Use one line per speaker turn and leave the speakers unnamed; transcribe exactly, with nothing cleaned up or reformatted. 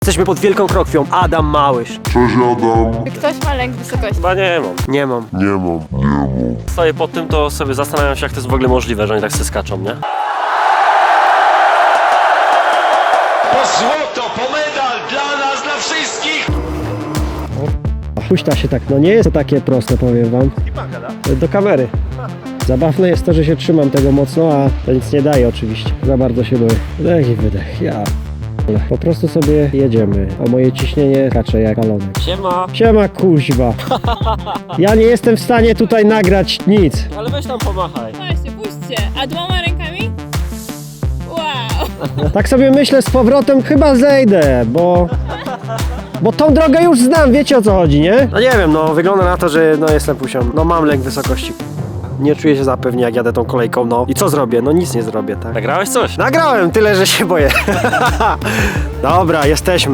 Jesteśmy pod Wielką Krokwią. Adam Małysz.
Cześć Adam.
Czy ktoś ma lęk wysokości?
Chyba nie mam.
Nie mam.
Nie mam, nie mam.
Stoję pod tym, to sobie zastanawiam się, jak to jest w ogóle możliwe, że oni tak se skaczą, nie?
Po złoto, po medal dla nas, dla wszystkich!
Puśta się tak, no nie jest to takie proste, powiem wam. Do kamery. Zabawne jest to, że się trzymam tego mocno, a to nic nie daje oczywiście. Za bardzo się boję. Wdech i wydech, ja. Po prostu sobie jedziemy, a moje ciśnienie skacze jak balonek.
Siema.
Siema kuźwa. Ja nie jestem w stanie tutaj nagrać nic.
Ale weź tam pomachaj.
Właśnie, puśćcie. A dwoma rękami? Wow.
Tak sobie myślę z powrotem, chyba zejdę, bo... Bo tą drogę już znam, wiecie o co chodzi, nie? No nie wiem, no wygląda na to, że no jestem pusią. No mam lęk wysokości. Nie czuję się zapewnie, jak jadę tą kolejką, no. I co zrobię? No nic nie zrobię, tak?
Nagrałeś coś?
Nagrałem, tyle że się boję. Dobra, jesteśmy.